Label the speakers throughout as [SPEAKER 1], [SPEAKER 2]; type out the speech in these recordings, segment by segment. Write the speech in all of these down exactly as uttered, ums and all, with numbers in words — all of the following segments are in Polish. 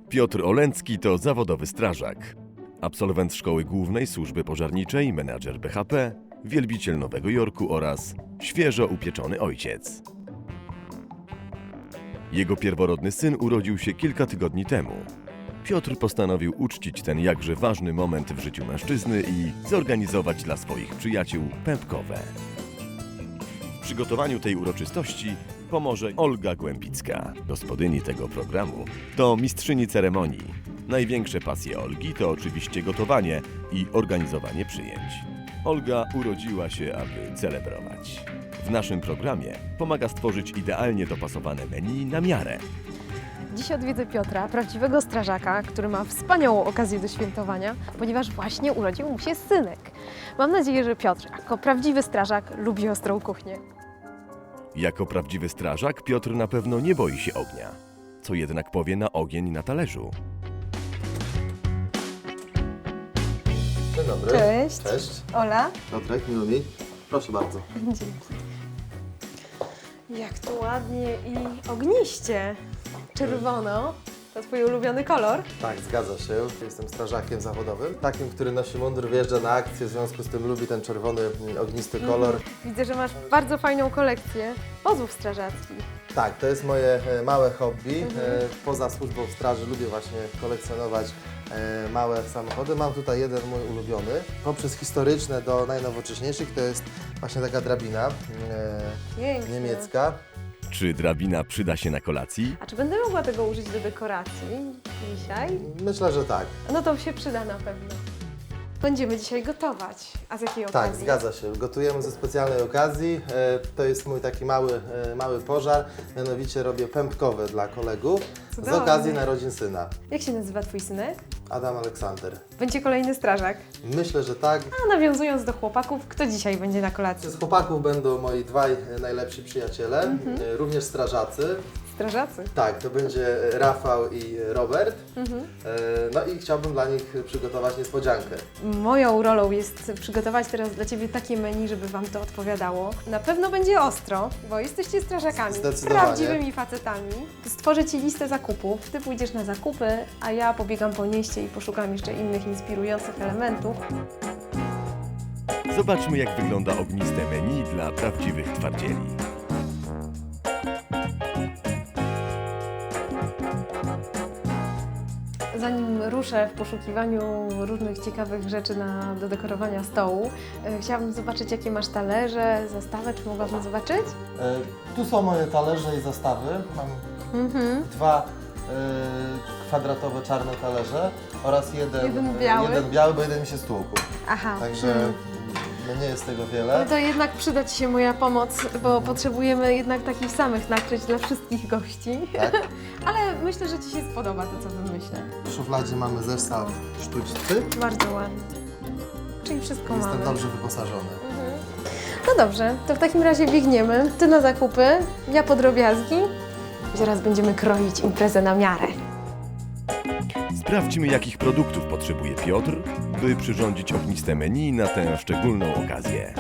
[SPEAKER 1] Piotr Olęcki to zawodowy strażak. Absolwent Szkoły Głównej Służby Pożarniczej, menadżer B H P, wielbiciel Nowego Jorku oraz świeżo upieczony ojciec. Jego pierworodny syn urodził się kilka tygodni temu. Piotr postanowił uczcić ten jakże ważny moment w życiu mężczyzny i zorganizować dla swoich przyjaciół pępkowe. W przygotowaniu tej uroczystości pomoże Olga Głębicka, gospodyni tego programu. To mistrzyni ceremonii. Największe pasje Olgi to oczywiście gotowanie i organizowanie przyjęć. Olga urodziła się, aby celebrować. W naszym programie pomaga stworzyć idealnie dopasowane menu na miarę.
[SPEAKER 2] Dziś odwiedzę Piotra, prawdziwego strażaka, który ma wspaniałą okazję do świętowania, ponieważ właśnie urodził mu się synek. Mam nadzieję, że Piotr, jako prawdziwy strażak, lubi ostrą kuchnię.
[SPEAKER 1] Jako prawdziwy strażak Piotr na pewno nie boi się ognia. Co jednak powie na ogień na talerzu.
[SPEAKER 3] Dzień dobry.
[SPEAKER 2] Cześć.
[SPEAKER 3] Cześć.
[SPEAKER 2] Ola.
[SPEAKER 3] Piotrek, miło mi. Proszę bardzo.
[SPEAKER 2] Dzięki. Jak to ładnie i ogniście. Czerwono. To twój ulubiony kolor?
[SPEAKER 3] Tak, zgadza się. Jestem strażakiem zawodowym. Takim, który nosi mundur, wjeżdża na akcję, w związku z tym lubi ten czerwony, mm, ognisty kolor.
[SPEAKER 2] Widzę, że masz bardzo fajną kolekcję wozów strażackich.
[SPEAKER 3] Tak, to jest moje e, małe hobby. E, poza służbą w straży lubię właśnie kolekcjonować e, małe samochody. Mam tutaj jeden mój ulubiony. Poprzez historyczne do najnowocześniejszych to jest właśnie taka drabina e,
[SPEAKER 2] Pięknie.
[SPEAKER 3] niemiecka.
[SPEAKER 1] Czy drabina przyda się na kolacji?
[SPEAKER 2] A czy będę mogła tego użyć do dekoracji dzisiaj?
[SPEAKER 3] Myślę, że tak.
[SPEAKER 2] No to się przyda na pewno. Będziemy dzisiaj gotować. A z jakiej
[SPEAKER 3] Tak,
[SPEAKER 2] okazji?
[SPEAKER 3] zgadza się. Gotujemy ze specjalnej okazji. E, To jest mój taki mały, e, mały pożar. Mianowicie robię pępkowe dla kolegów z
[SPEAKER 2] Cudownie.
[SPEAKER 3] okazji narodzin syna.
[SPEAKER 2] Jak się nazywa twój synek?
[SPEAKER 3] Adam Aleksander.
[SPEAKER 2] Będzie kolejny strażak.
[SPEAKER 3] Myślę, że tak.
[SPEAKER 2] A nawiązując do chłopaków, kto dzisiaj będzie na kolacji?
[SPEAKER 3] Z chłopaków będą moi dwaj e, najlepsi przyjaciele,
[SPEAKER 2] Mhm.
[SPEAKER 3] e, również strażacy.
[SPEAKER 2] Strażacy.
[SPEAKER 3] Tak, to będzie Rafał i Robert.
[SPEAKER 2] Mhm.
[SPEAKER 3] E, No i chciałbym dla nich przygotować niespodziankę.
[SPEAKER 2] Moją rolą jest przygotować teraz dla Ciebie takie menu, żeby Wam to odpowiadało. Na pewno będzie ostro, bo jesteście strażakami,
[SPEAKER 3] Zdecydowanie.
[SPEAKER 2] prawdziwymi facetami. Stworzę Ci listę zakupów, Ty pójdziesz na zakupy, a ja pobiegam po mieście i poszukam jeszcze innych inspirujących elementów.
[SPEAKER 1] Zobaczmy, jak wygląda ogniste menu dla prawdziwych twardzieli.
[SPEAKER 2] Zanim ruszę w poszukiwaniu różnych ciekawych rzeczy na, do dekorowania stołu, e, chciałabym zobaczyć, jakie masz talerze, zastawę, czy mogłabym zobaczyć?
[SPEAKER 3] E, Tu są moje talerze i zastawy. Mam
[SPEAKER 2] Mhm.
[SPEAKER 3] dwa e, kwadratowe czarne talerze oraz jeden,
[SPEAKER 2] Jeden
[SPEAKER 3] e,
[SPEAKER 2] biały.
[SPEAKER 3] jeden biały, bo jeden mi się stłukł.
[SPEAKER 2] Aha.
[SPEAKER 3] Także
[SPEAKER 2] Mhm.
[SPEAKER 3] no nie jest tego
[SPEAKER 2] No
[SPEAKER 3] wiele.
[SPEAKER 2] to jednak przyda Ci się moja pomoc, bo potrzebujemy jednak takich samych nakryć dla wszystkich gości.
[SPEAKER 3] Tak?
[SPEAKER 2] Ale myślę, że Ci się spodoba to, co wymyślę.
[SPEAKER 3] W szufladzie mamy zestaw sztućcy.
[SPEAKER 2] Bardzo ładnie. Czyli wszystko
[SPEAKER 3] Jestem
[SPEAKER 2] mamy.
[SPEAKER 3] dobrze wyposażony.
[SPEAKER 2] No dobrze, to w takim razie biegniemy. Ty na zakupy, ja po drobiazgi. Zaraz będziemy kroić imprezę na miarę.
[SPEAKER 1] Sprawdźmy, jakich produktów potrzebuje Piotr, by przyrządzić ogniste menu na tę szczególną okazję.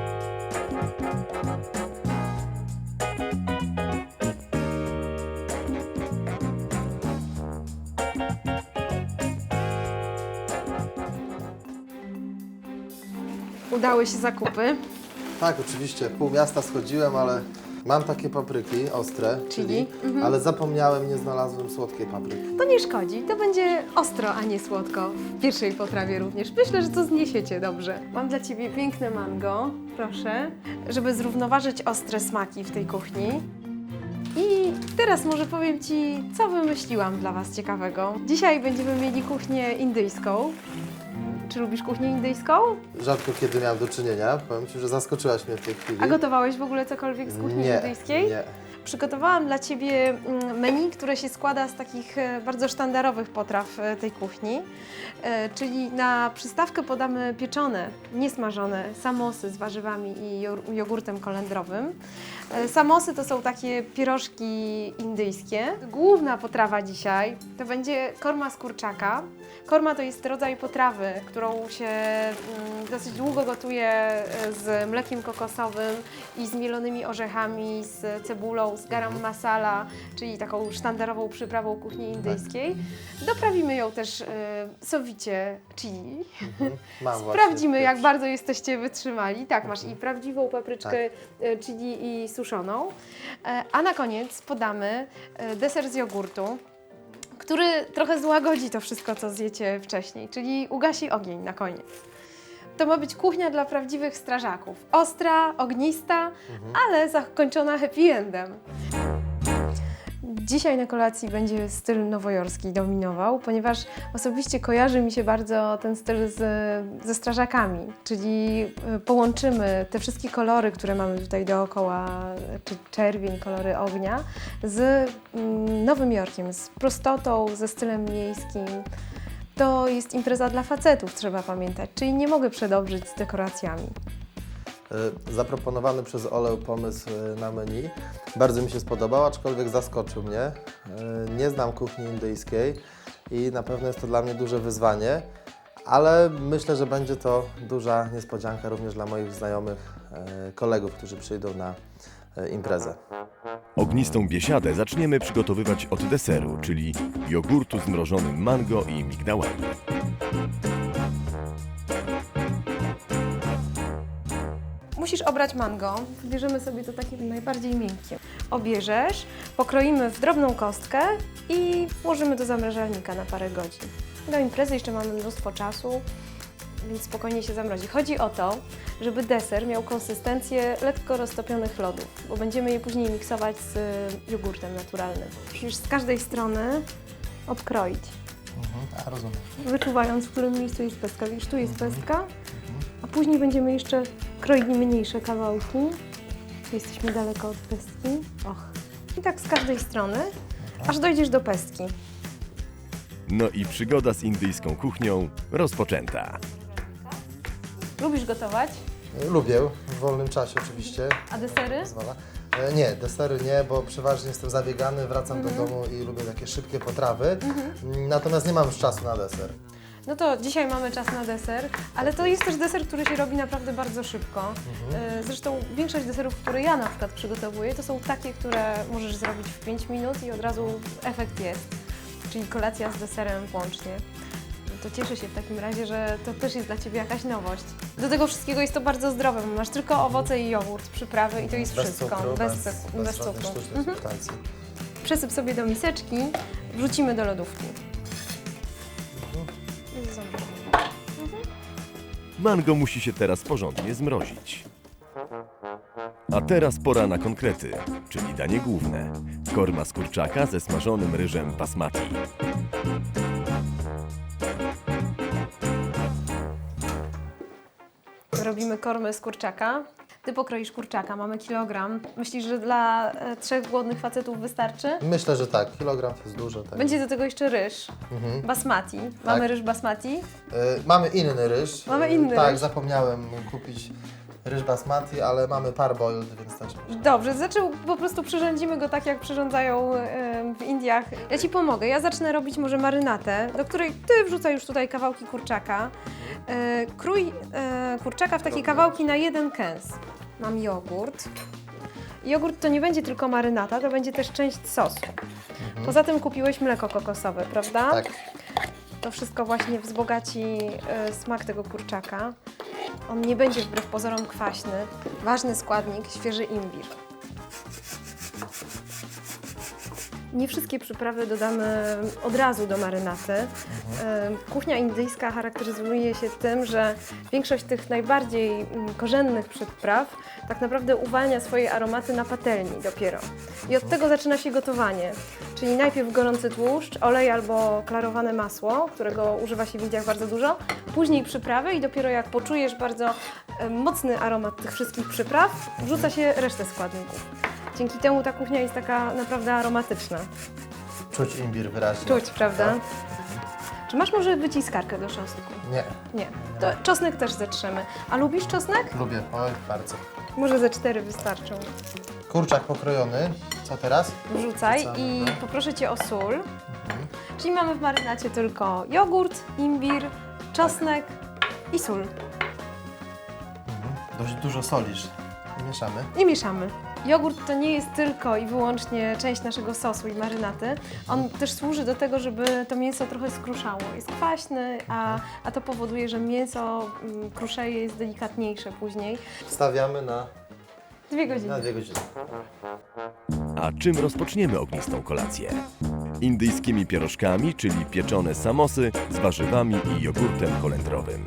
[SPEAKER 2] Udały się zakupy.
[SPEAKER 3] Tak, oczywiście, pół miasta schodziłem, ale mam takie papryki ostre,
[SPEAKER 2] Chili. Mhm.
[SPEAKER 3] ale zapomniałem, nie znalazłem słodkiej papryki.
[SPEAKER 2] To nie szkodzi, to będzie ostro, a nie słodko. W pierwszej potrawie również. Myślę, że to zniesiecie dobrze. Mam dla Ciebie piękne mango, proszę, żeby zrównoważyć ostre smaki w tej kuchni. I teraz może powiem Ci, co wymyśliłam dla Was ciekawego. Dzisiaj będziemy mieli kuchnię indyjską. Czy lubisz kuchnię indyjską?
[SPEAKER 3] Rzadko kiedy miałem do czynienia. Powiem Ci, że zaskoczyłaś mnie w tej chwili.
[SPEAKER 2] A gotowałeś w ogóle cokolwiek z kuchni
[SPEAKER 3] nie,
[SPEAKER 2] indyjskiej?
[SPEAKER 3] Nie.
[SPEAKER 2] Przygotowałam dla Ciebie mm, menu, które się składa z takich e, bardzo sztandarowych potraw e, tej kuchni. E, Czyli na przystawkę podamy pieczone, niesmażone samosy z warzywami i jo- jogurtem kolendrowym. E, Samosy to są takie pierożki indyjskie. Główna potrawa dzisiaj to będzie korma z kurczaka. Korma to jest rodzaj potrawy, którą się mm, dosyć długo gotuje e, z mlekiem kokosowym i z mielonymi orzechami, z cebulą, z garam masala, czyli taką sztandarową przyprawą kuchni indyjskiej. Doprawimy ją też y, sowicie chili.
[SPEAKER 3] Mam właśnie
[SPEAKER 2] Sprawdzimy, jak
[SPEAKER 3] pieprz.
[SPEAKER 2] bardzo jesteście wytrzymali. Tak, masz i prawdziwą papryczkę y, chili i suszoną. E, A na koniec podamy y, deser z jogurtu, który trochę złagodzi to wszystko, co zjecie wcześniej, czyli ugasi ogień na koniec. To ma być kuchnia dla prawdziwych strażaków. Ostra, ognista, ale zakończona happy endem. Dzisiaj na kolacji będzie styl nowojorski dominował, ponieważ osobiście kojarzy mi się bardzo ten styl z, ze strażakami, czyli y, połączymy te wszystkie kolory, które mamy tutaj dookoła, czy czerwień, kolory ognia, z mm, Nowym Jorkiem, z prostotą, ze stylem miejskim. To jest impreza dla facetów, trzeba pamiętać, czyli nie mogę przedobrzyć z dekoracjami.
[SPEAKER 3] Y, Zaproponowany przez Olę pomysł y, na menu bardzo mi się spodobał, aczkolwiek zaskoczył mnie. Y, Nie znam kuchni indyjskiej i na pewno jest to dla mnie duże wyzwanie, ale myślę, że będzie to duża niespodzianka również dla moich znajomych y, kolegów, którzy przyjdą na y, imprezę.
[SPEAKER 1] Ognistą biesiadę zaczniemy przygotowywać od deseru, czyli jogurtu z mrożonym mango i migdałami.
[SPEAKER 2] Musisz obrać mango. Wybierzemy sobie to takie najbardziej miękkie. Obierzesz, pokroimy w drobną kostkę i włożymy do zamrażalnika na parę godzin. Do imprezy jeszcze mamy mnóstwo czasu, więc spokojnie się zamrozi. Chodzi o to, żeby deser miał konsystencję lekko roztopionych lodów, bo będziemy je później miksować z jogurtem naturalnym. Musisz z każdej strony obkroić,
[SPEAKER 3] Mhm. A, rozumiem.
[SPEAKER 2] wyczuwając, w którym miejscu jest pestka. Wiesz, tu jest pestka, a później będziemy jeszcze kroić mniejsze kawałki. Tu jesteśmy daleko od pestki. Och. I tak z każdej strony, aż dojdziesz do pestki.
[SPEAKER 1] No i przygoda z indyjską kuchnią rozpoczęta.
[SPEAKER 2] Lubisz gotować?
[SPEAKER 3] Lubię, w wolnym czasie oczywiście.
[SPEAKER 2] A desery?
[SPEAKER 3] Pozwala. E, Nie, desery nie, bo przeważnie jestem zabiegany, wracam do domu i lubię takie szybkie potrawy. Natomiast nie mam już czasu na deser.
[SPEAKER 2] No to dzisiaj mamy czas na deser, ale to jest też deser, który się robi naprawdę bardzo szybko. E, Zresztą większość deserów, które ja na przykład przygotowuję, to są takie, które możesz zrobić w pięć minut i od razu efekt jest. Czyli kolacja z deserem włącznie. To cieszę się w takim razie, że to też jest dla Ciebie jakaś nowość. Do tego wszystkiego jest to bardzo zdrowe, bo masz tylko owoce i jogurt, przyprawy i to jest
[SPEAKER 3] Bez
[SPEAKER 2] wszystko.
[SPEAKER 3] cukru, bez,
[SPEAKER 2] bez,
[SPEAKER 3] bez,
[SPEAKER 2] bez
[SPEAKER 3] żadnych
[SPEAKER 2] cukru.
[SPEAKER 3] sztucznych substancji.
[SPEAKER 2] Przesyp sobie do miseczki, wrzucimy do lodówki. I zamknij.
[SPEAKER 1] Mango musi się teraz porządnie zmrozić. A teraz pora na konkrety, czyli danie główne. Korma z kurczaka ze smażonym ryżem basmati.
[SPEAKER 2] Robimy kormę z kurczaka. Ty pokroisz kurczaka, mamy kilogram. Myślisz, że dla e, trzech głodnych facetów wystarczy?
[SPEAKER 3] Myślę, że tak, kilogram to jest dużo. Tak.
[SPEAKER 2] Będzie do tego jeszcze ryż basmati. Mamy ryż basmati.
[SPEAKER 3] E, mamy inny ryż.
[SPEAKER 2] Mamy
[SPEAKER 3] E,
[SPEAKER 2] inny
[SPEAKER 3] Tak,
[SPEAKER 2] ryż.
[SPEAKER 3] zapomniałem kupić ryż basmati, ale mamy parboiled, więc też można.
[SPEAKER 2] Dobrze, znaczy po prostu przyrządzimy go tak, jak przyrządzają e, w Indiach. Ja Ci pomogę. Ja zacznę robić może marynatę, do której Ty wrzucaj już tutaj kawałki kurczaka. E, Krój e, kurczaka w takie kawałki na jeden kęs. Mam jogurt. Jogurt to nie będzie tylko marynata, to będzie też część sosu. Poza tym kupiłeś mleko kokosowe, prawda?
[SPEAKER 3] Tak.
[SPEAKER 2] To wszystko właśnie wzbogaci e, smak tego kurczaka. On nie będzie wbrew pozorom kwaśny. Ważny składnik, świeży imbir. Nie wszystkie przyprawy dodamy od razu do marynaty. E, Kuchnia indyjska charakteryzuje się tym, że większość tych najbardziej mm, korzennych przypraw tak naprawdę uwalnia swoje aromaty na patelni dopiero. I od tego zaczyna się gotowanie. Czyli najpierw gorący tłuszcz, olej albo klarowane masło, którego używa się w Indiach bardzo dużo, później przyprawy i dopiero jak poczujesz bardzo e, mocny aromat tych wszystkich przypraw, wrzuca się resztę składników. Dzięki temu ta kuchnia jest taka naprawdę aromatyczna.
[SPEAKER 3] Czuć imbir wyraźnie.
[SPEAKER 2] Czuć, prawda?
[SPEAKER 3] No.
[SPEAKER 2] Czy masz może wyciskarkę do czosnku?
[SPEAKER 3] Nie,
[SPEAKER 2] Nie. To czosnek też zetrzemy. A lubisz czosnek?
[SPEAKER 3] lubię, oj, bardzo.
[SPEAKER 2] Może ze cztery wystarczą.
[SPEAKER 3] Kurczak pokrojony, co teraz?
[SPEAKER 2] Wrzucaj
[SPEAKER 3] Wrzucamy,
[SPEAKER 2] i
[SPEAKER 3] no.
[SPEAKER 2] poproszę Cię o sól. Czyli mamy w marynacie tylko jogurt, imbir, czosnek i sól.
[SPEAKER 3] Dość dużo solisz. I mieszamy.
[SPEAKER 2] I mieszamy. Jogurt to nie jest tylko i wyłącznie część naszego sosu i marynaty. On też służy do tego, żeby to mięso trochę skruszało. Jest kwaśny, a, a to powoduje, że mięso mm, kruszeje, jest delikatniejsze później.
[SPEAKER 3] Wstawiamy na,
[SPEAKER 2] Dwie godziny.
[SPEAKER 3] na dwie godziny.
[SPEAKER 1] A czym rozpoczniemy ognistą kolację? Indyjskimi pierożkami, czyli pieczone samosy z warzywami i jogurtem kolendrowym.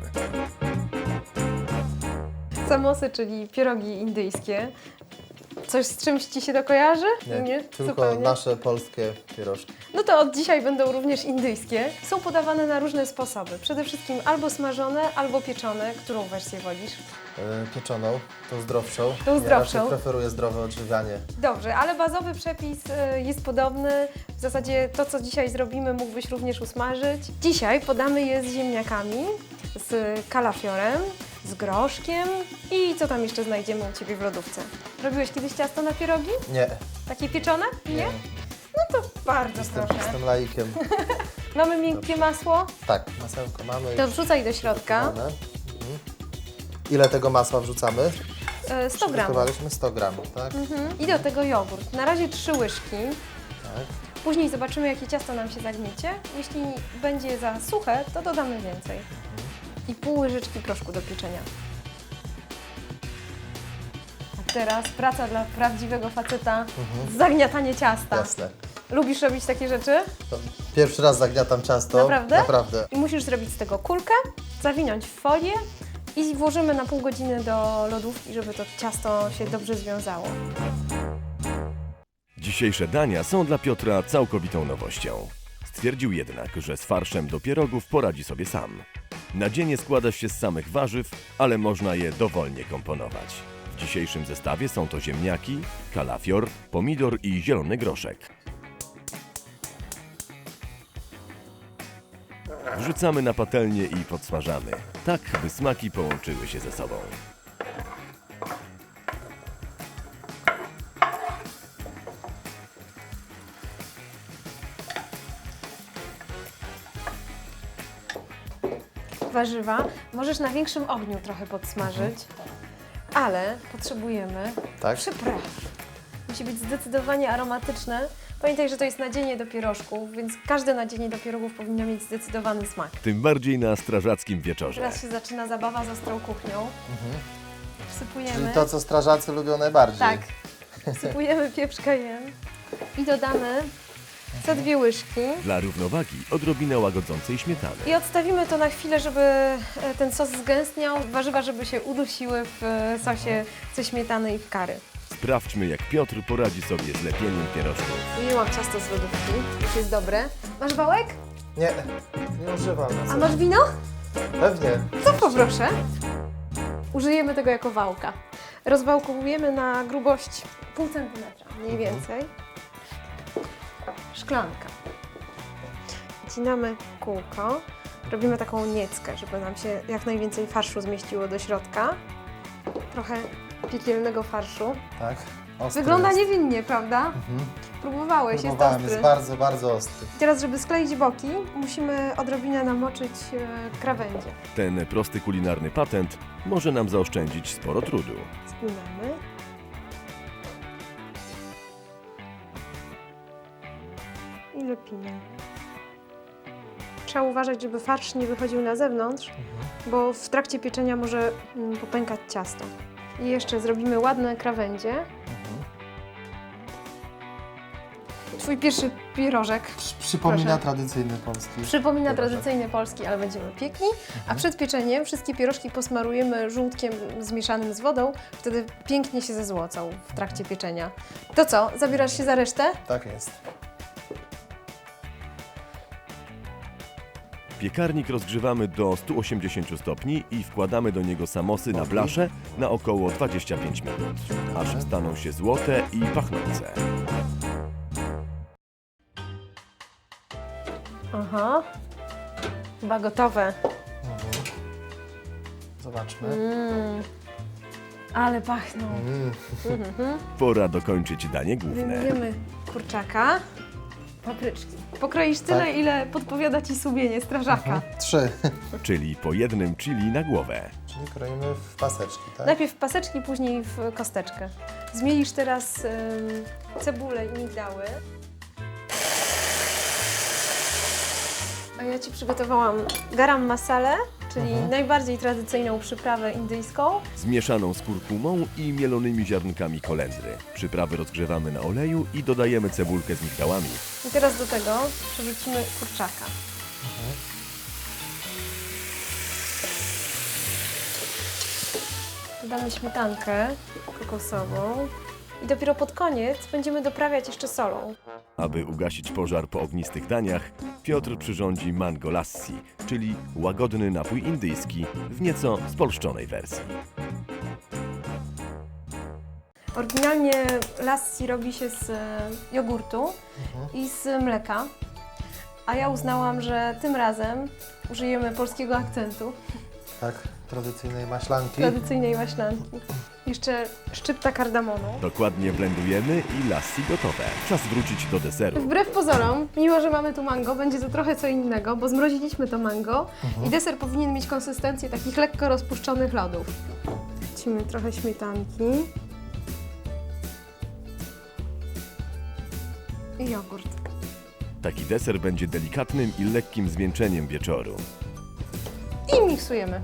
[SPEAKER 2] Samosy, czyli pierogi indyjskie. Coś z czymś Ci się to kojarzy?
[SPEAKER 3] Nie, tylko
[SPEAKER 2] Zupełnie.
[SPEAKER 3] nasze polskie pierożki.
[SPEAKER 2] No to od dzisiaj będą również indyjskie. Są podawane na różne sposoby. Przede wszystkim albo smażone, albo pieczone. Którą wersję wolisz?
[SPEAKER 3] E, pieczoną, tą zdrowszą.
[SPEAKER 2] Tą
[SPEAKER 3] Ja
[SPEAKER 2] zdrowszą.
[SPEAKER 3] raczej preferuję zdrowe odżywianie.
[SPEAKER 2] Dobrze, ale bazowy przepis y, jest podobny. W zasadzie to, co dzisiaj zrobimy, mógłbyś również usmażyć. Dzisiaj podamy je z ziemniakami, z kalafiorem, z groszkiem i co tam jeszcze znajdziemy u Ciebie w lodówce. Robiłeś kiedyś ciasto na pierogi?
[SPEAKER 3] Nie,
[SPEAKER 2] Takie pieczone? Nie? No to bardzo
[SPEAKER 3] jestem,
[SPEAKER 2] proszę.
[SPEAKER 3] jestem laikiem.
[SPEAKER 2] Mamy miękkie masło,
[SPEAKER 3] Tak, masełko mamy.
[SPEAKER 2] to wrzucaj do środka.
[SPEAKER 3] Mhm. Ile tego masła wrzucamy?
[SPEAKER 2] Y, sto gramów.
[SPEAKER 3] Przygotowaliśmy sto gramów, tak?
[SPEAKER 2] Mhm. I do tego jogurt. Na razie trzy łyżki.
[SPEAKER 3] Tak.
[SPEAKER 2] Później zobaczymy, jakie ciasto nam się zagniecie. Jeśli będzie za suche, to dodamy więcej. I pół łyżeczki proszku do pieczenia. A teraz praca dla prawdziwego faceta. Zagniatanie ciasta.
[SPEAKER 3] Jasne.
[SPEAKER 2] Lubisz robić takie rzeczy?
[SPEAKER 3] To pierwszy raz zagniatam ciasto.
[SPEAKER 2] Naprawdę?
[SPEAKER 3] Naprawdę.
[SPEAKER 2] I musisz zrobić z tego kulkę, zawinąć w folię i włożymy na pół godziny do lodówki, żeby to ciasto się dobrze związało.
[SPEAKER 1] Dzisiejsze dania są dla Piotra całkowitą nowością. Stwierdził jednak, że z farszem do pierogów poradzi sobie sam. Nadzienie składa się z samych warzyw, ale można je dowolnie komponować. W dzisiejszym zestawie są to ziemniaki, kalafior, pomidor i zielony groszek. Wrzucamy na patelnię i podsmażamy, tak by smaki połączyły się ze sobą.
[SPEAKER 2] Warzywa możesz na większym ogniu trochę podsmażyć, ale potrzebujemy
[SPEAKER 3] Tak?
[SPEAKER 2] przypraw. Musi być zdecydowanie aromatyczne. Pamiętaj, że to jest nadzienie do pierożków, więc każde nadzienie do pierogów powinno mieć zdecydowany smak.
[SPEAKER 1] Tym bardziej na strażackim wieczorze.
[SPEAKER 2] Teraz się zaczyna zabawa z ostrą kuchnią. Wsypujemy.
[SPEAKER 3] Czyli to, co strażacy lubią najbardziej.
[SPEAKER 2] Tak. Wsypujemy pieprz cayenne i dodamy co dwie łyżki.
[SPEAKER 1] Dla równowagi odrobinę łagodzącej śmietany.
[SPEAKER 2] I odstawimy to na chwilę, żeby e, ten sos zgęstniał, warzywa, żeby się udusiły w e, sosie ze śmietany i w kary.
[SPEAKER 1] Sprawdźmy, jak Piotr poradzi sobie z lepieniem pierożków.
[SPEAKER 2] Wyjęłam ciasto z lodówki, już jest dobre. Masz wałek?
[SPEAKER 3] Nie, nie używam.
[SPEAKER 2] A masz wino?
[SPEAKER 3] Pewnie.
[SPEAKER 2] To poproszę. Użyjemy tego jako wałka. Rozwałkowujemy na grubość pół centymetra, mniej więcej. Szklanka. Wcinamy kółko. Robimy taką nieckę, żeby nam się jak najwięcej farszu zmieściło do środka. Trochę piekielnego farszu.
[SPEAKER 3] Tak. Ostry
[SPEAKER 2] Wygląda
[SPEAKER 3] jest.
[SPEAKER 2] niewinnie, prawda? Próbowałeś,
[SPEAKER 3] Próbowałem,
[SPEAKER 2] jest ostry.
[SPEAKER 3] jest bardzo, bardzo ostry.
[SPEAKER 2] Teraz, żeby skleić boki, musimy odrobinę namoczyć e, krawędzie.
[SPEAKER 1] Ten prosty kulinarny patent może nam zaoszczędzić sporo trudu.
[SPEAKER 2] Spinamy. I lepimy. Trzeba uważać, żeby farsz nie wychodził na zewnątrz, bo w trakcie pieczenia może mm, popękać ciasto. I jeszcze zrobimy ładne krawędzie. Twój pierwszy pierożek
[SPEAKER 3] Przy- Przypomina
[SPEAKER 2] Proszę.
[SPEAKER 3] tradycyjny polski.
[SPEAKER 2] przypomina
[SPEAKER 3] pierożek.
[SPEAKER 2] tradycyjny polski, ale będziemy piekli. A przed pieczeniem wszystkie pierożki posmarujemy żółtkiem zmieszanym z wodą, wtedy pięknie się zezłocą w trakcie pieczenia. To co, zabierasz się za resztę?
[SPEAKER 3] Tak jest.
[SPEAKER 1] Piekarnik rozgrzewamy do stu osiemdziesięciu stopni i wkładamy do niego samosy na blaszę na około dwadzieścia pięć minut, aż staną się złote i pachnące.
[SPEAKER 2] Aha, chyba gotowe.
[SPEAKER 3] Zobaczmy.
[SPEAKER 2] Mm. Ale pachną.
[SPEAKER 3] Mm.
[SPEAKER 1] Pora dokończyć danie główne.
[SPEAKER 2] Wyjmujemy kurczaka, papryczki. Pokroisz tyle,
[SPEAKER 3] Tak.
[SPEAKER 2] ile podpowiada Ci sumienie strażaka.
[SPEAKER 3] Trzy.
[SPEAKER 1] Czyli po jednym chili na głowę.
[SPEAKER 3] Czyli kroimy w paseczki, tak?
[SPEAKER 2] Najpierw w paseczki, później w kosteczkę. Zmielisz teraz ym, cebulę i migdały. A ja Ci przygotowałam garam masalę, czyli najbardziej tradycyjną przyprawę indyjską.
[SPEAKER 1] Zmieszaną z kurkumą i mielonymi ziarnkami kolendry. Przyprawy rozgrzewamy na oleju i dodajemy cebulkę z migdałami.
[SPEAKER 2] I teraz do tego przerzucimy kurczaka. Dodamy śmietankę kokosową i dopiero pod koniec będziemy doprawiać jeszcze solą.
[SPEAKER 1] Aby ugasić pożar po ognistych daniach, Piotr przyrządzi mango lassi, czyli łagodny napój indyjski w nieco spolszczonej wersji.
[SPEAKER 2] Oryginalnie lassi robi się z jogurtu i z mleka, a ja uznałam, że tym razem użyjemy polskiego akcentu,
[SPEAKER 3] Tak, tradycyjnej maślanki.
[SPEAKER 2] tradycyjnej maślanki. Jeszcze szczypta kardamonu.
[SPEAKER 1] Dokładnie blendujemy i lassi gotowe. Czas wrócić do deseru.
[SPEAKER 2] Wbrew pozorom, mimo że mamy tu mango, będzie to trochę co innego, bo zmroziliśmy to mango i deser powinien mieć konsystencję takich lekko rozpuszczonych lodów. Wrzucimy trochę śmietanki i jogurt.
[SPEAKER 1] Taki deser będzie delikatnym i lekkim zwieńczeniem wieczoru.
[SPEAKER 2] I miksujemy.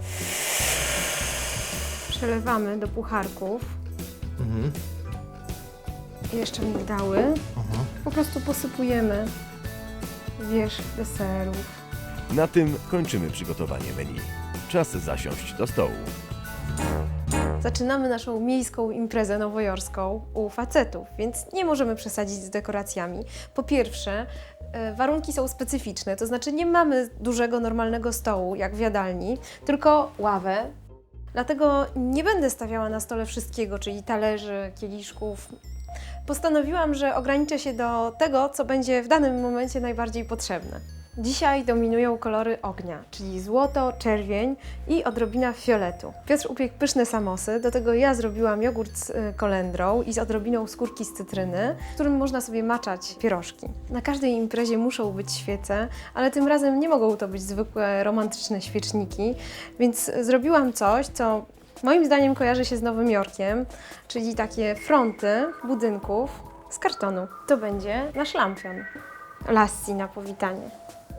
[SPEAKER 2] Przelewamy do pucharków.
[SPEAKER 3] Mhm.
[SPEAKER 2] I jeszcze migdały. Po prostu posypujemy wierzch deserów.
[SPEAKER 1] Na tym kończymy przygotowanie menu. Czas zasiąść do stołu.
[SPEAKER 2] Zaczynamy naszą miejską imprezę nowojorską u facetów, więc nie możemy przesadzić z dekoracjami. Po pierwsze, e, warunki są specyficzne, to znaczy nie mamy dużego, normalnego stołu, jak w jadalni, tylko ławę. Dlatego nie będę stawiała na stole wszystkiego, czyli talerzy, kieliszków. Postanowiłam, że ograniczę się do tego, co będzie w danym momencie najbardziej potrzebne. Dzisiaj dominują kolory ognia, czyli złoto, czerwień i odrobina fioletu. Piotr upiekł pyszne samosy, do tego ja zrobiłam jogurt z y, kolendrą i z odrobiną skórki z cytryny, w którym można sobie maczać pierożki. Na każdej imprezie muszą być świece, ale tym razem nie mogą to być zwykłe romantyczne świeczniki, więc zrobiłam coś, co moim zdaniem kojarzy się z Nowym Jorkiem, czyli takie fronty budynków z kartonu. To będzie nasz lampion. Lassi na powitanie.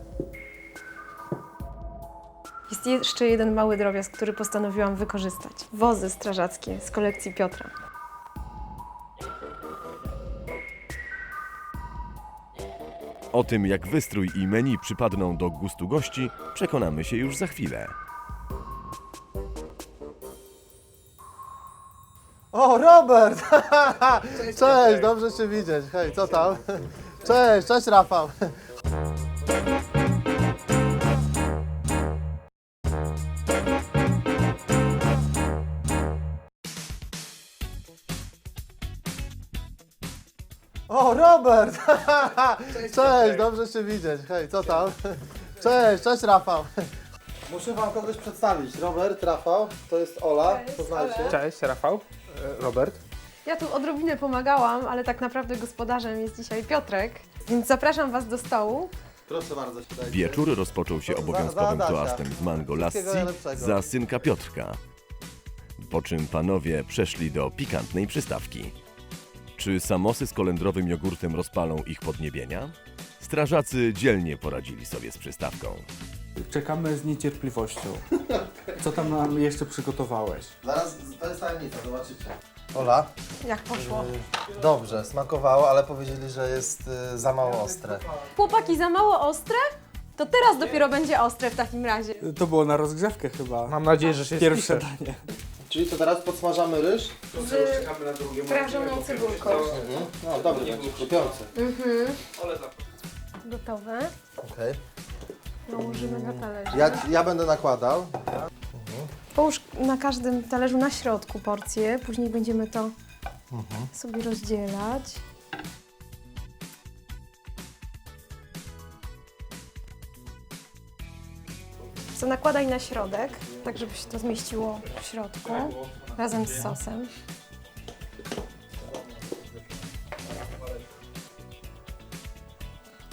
[SPEAKER 2] Jest jeszcze jeden mały drobiazg, który postanowiłam wykorzystać. Wozy strażackie z kolekcji Piotra.
[SPEAKER 1] O tym, jak wystrój i menu przypadną do gustu gości, przekonamy się już za chwilę.
[SPEAKER 3] O, Robert! Cześć, cześć, dobrze Cię widzieć. Hej, co tam? Cześć, cześć Rafał. O, Robert! Cześć, cześć, dobrze Cię widzieć. Hej, co tam? Cześć, cześć Rafał. Muszę Wam kogoś przedstawić. Robert, Rafał, to jest Ola,
[SPEAKER 2] Cześć,
[SPEAKER 3] poznajcie.
[SPEAKER 2] Ola.
[SPEAKER 4] Cześć, Rafał. E, Robert.
[SPEAKER 2] Ja tu odrobinę pomagałam, ale tak naprawdę gospodarzem jest dzisiaj Piotrek, więc zapraszam Was do stołu.
[SPEAKER 3] Proszę bardzo, siadajcie.
[SPEAKER 1] Wieczór rozpoczął się
[SPEAKER 3] Za-
[SPEAKER 1] obowiązkowym
[SPEAKER 3] za Adasia.
[SPEAKER 1] toastem z mango lassi
[SPEAKER 3] Wszystkiego najlepszego.
[SPEAKER 1] za synka Piotrka. Po czym panowie przeszli do pikantnej przystawki. Czy samosy z kolendrowym jogurtem rozpalą ich podniebienia? Strażacy dzielnie poradzili sobie z przystawką.
[SPEAKER 4] Czekamy z niecierpliwością. Co tam nam jeszcze przygotowałeś?
[SPEAKER 3] Zaraz, to jest tajemnica, zobaczycie. Ola,
[SPEAKER 2] Jak poszło?
[SPEAKER 3] y, dobrze, smakowało, ale powiedzieli, że jest y, za mało ostre.
[SPEAKER 2] Chłopaki, za mało ostre? To teraz dopiero będzie ostre w takim razie.
[SPEAKER 4] To było na rozgrzewkę chyba.
[SPEAKER 5] Mam nadzieję, że się
[SPEAKER 4] Pierwsze
[SPEAKER 5] spiszesz.
[SPEAKER 4] danie.
[SPEAKER 3] Czyli to teraz podsmażamy ryż?
[SPEAKER 2] Z prażoną cebulką.
[SPEAKER 3] Mhm. No dobry, będzie chrupiący.
[SPEAKER 2] Gotowe.
[SPEAKER 3] Okej.
[SPEAKER 2] Nałożymy na talerz.
[SPEAKER 3] Ja, ja będę nakładał.
[SPEAKER 2] Połóż na każdym talerzu na środku porcję, później będziemy to sobie rozdzielać. Co nakładaj na środek, tak żeby się to zmieściło w środku, razem z sosem.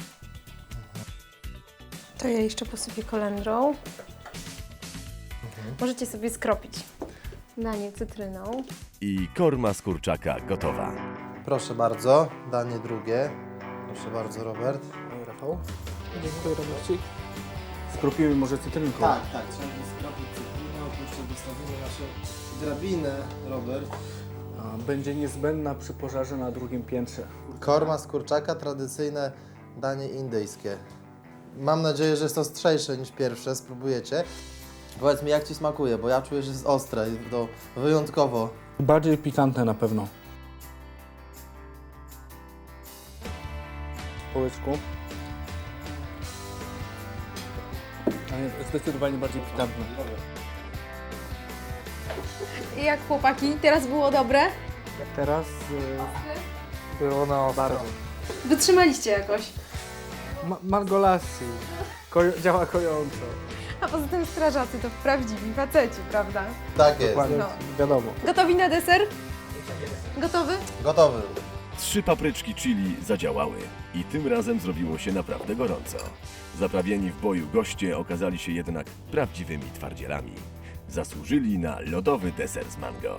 [SPEAKER 2] To ja jeszcze posypię kolendrą. Możecie sobie skropić danie cytryną.
[SPEAKER 1] I korma z kurczaka gotowa.
[SPEAKER 3] Proszę bardzo, danie drugie. Proszę bardzo, Robert.
[SPEAKER 4] No i Rafał. Dziękuję, Robercik. Skropiły może cytrynką.
[SPEAKER 3] Tak, tak, trzeba by skropić cytrynę, opuszczę wystawimy naszą drabinę, Robert.
[SPEAKER 4] A, będzie niezbędna przy pożarze na drugim piętrze.
[SPEAKER 3] Korma z kurczaka, tradycyjne danie indyjskie. Mam nadzieję, że jest ostrzejsze niż pierwsze, spróbujecie. Powiedz mi, jak Ci smakuje, bo ja czuję, że jest ostre i to wyjątkowo.
[SPEAKER 4] Bardziej pikantne na pewno. Połyczku. Ale zdecydowanie bardziej pikantne.
[SPEAKER 2] I jak chłopaki, teraz było dobre?
[SPEAKER 4] Teraz y, było na ostro.
[SPEAKER 2] Wytrzymaliście jakoś.
[SPEAKER 4] Ma Margolasy. Kojo działa kojąco.
[SPEAKER 2] A poza tym strażacy to prawdziwi faceci, prawda?
[SPEAKER 3] Tak jest.
[SPEAKER 4] Dokładnie,
[SPEAKER 2] No.
[SPEAKER 4] wiadomo.
[SPEAKER 2] Gotowi na deser? Gotowy?
[SPEAKER 3] Gotowy.
[SPEAKER 1] Trzy papryczki chili zadziałały i tym razem zrobiło się naprawdę gorąco. Zaprawieni w boju goście okazali się jednak prawdziwymi twardzielami. Zasłużyli na lodowy deser z mango.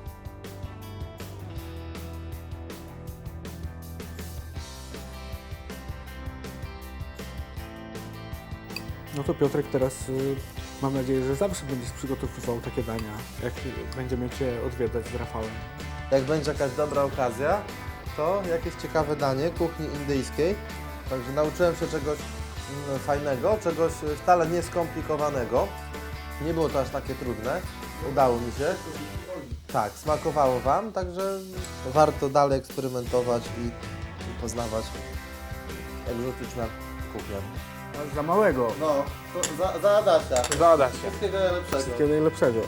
[SPEAKER 4] No to Piotrek teraz y, mam nadzieję, że zawsze będziesz przygotowywał takie dania, jak będziemy Cię odwiedzać z Rafałem.
[SPEAKER 3] Jak będzie jakaś dobra okazja, to jakieś ciekawe danie kuchni indyjskiej. Także nauczyłem się czegoś mm, fajnego, czegoś wcale nieskomplikowanego. Nie było to aż takie trudne. Udało mi się. Tak, smakowało Wam, także warto dalej eksperymentować i, i poznawać egzotyczne kuchnie.
[SPEAKER 4] A za małego.
[SPEAKER 3] No, to za, za Adasia.
[SPEAKER 4] Zada się.
[SPEAKER 3] Wszystkiego najlepszego.
[SPEAKER 4] Wszystkiego najlepszego.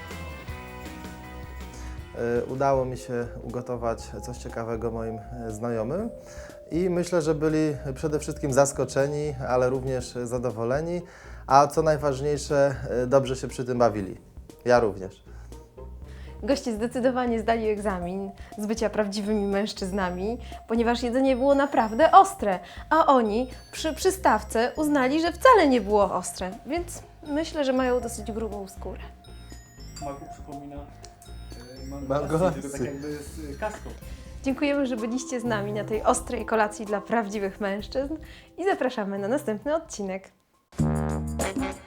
[SPEAKER 3] Y, Udało mi się ugotować coś ciekawego moim y, znajomym i myślę, że byli przede wszystkim zaskoczeni, ale również zadowoleni, a co najważniejsze, y, dobrze się przy tym bawili. Ja również.
[SPEAKER 2] Goście zdecydowanie zdali egzamin z bycia prawdziwymi mężczyznami, ponieważ jedzenie było naprawdę ostre, a oni przy przystawce uznali, że wcale nie było ostre, więc myślę, że mają dosyć grubą skórę.
[SPEAKER 4] Smaku przypomina y,
[SPEAKER 3] Mangolasy.
[SPEAKER 4] tylko tak jakby z y, kaską.
[SPEAKER 2] Dziękujemy, że byliście z nami na tej ostrej kolacji dla prawdziwych mężczyzn i zapraszamy na następny odcinek.